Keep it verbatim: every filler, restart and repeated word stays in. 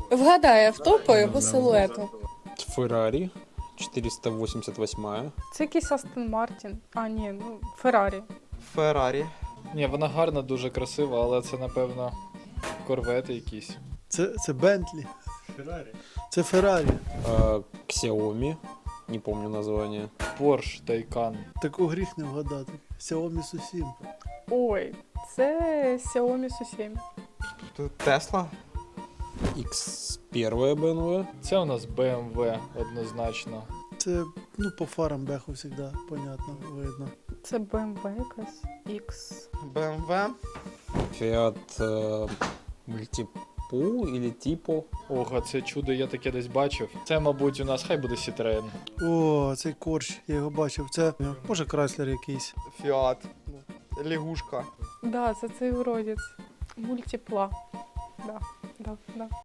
Вгадай авто по його силуету. Феррарі чотириста вісімдесят восьма. Це якийсь Астон Мартін. А, ні, ну, Феррарі. Феррарі. Ні, вона гарна, дуже красива, але це, напевно, корвети якісь. Це, це Бентлі. Феррарі. Це Феррарі. Э, Xiaomi, не помню название. Порш Тайкан. Таку гріх не вгадати. Xiaomi Су сім. Ой, це Xiaomi Су сім. Тут Тесла. X один бэ эм вэ. Це у нас Б М В однозначно. Це, ну, по фарам беху завжди, понятно, видно. Це Б М В якась. X. Б М В. Fiat э, Multipool или Tipo. Ого, це чудо я таке десь бачив. Це, мабуть, у нас хай буде Citroen. О, цей корч, я його бачив. Це, може, Крайслер якийсь. Фіат. Лягушка. Да, це цей уродець. Мультипла. Да, да, да.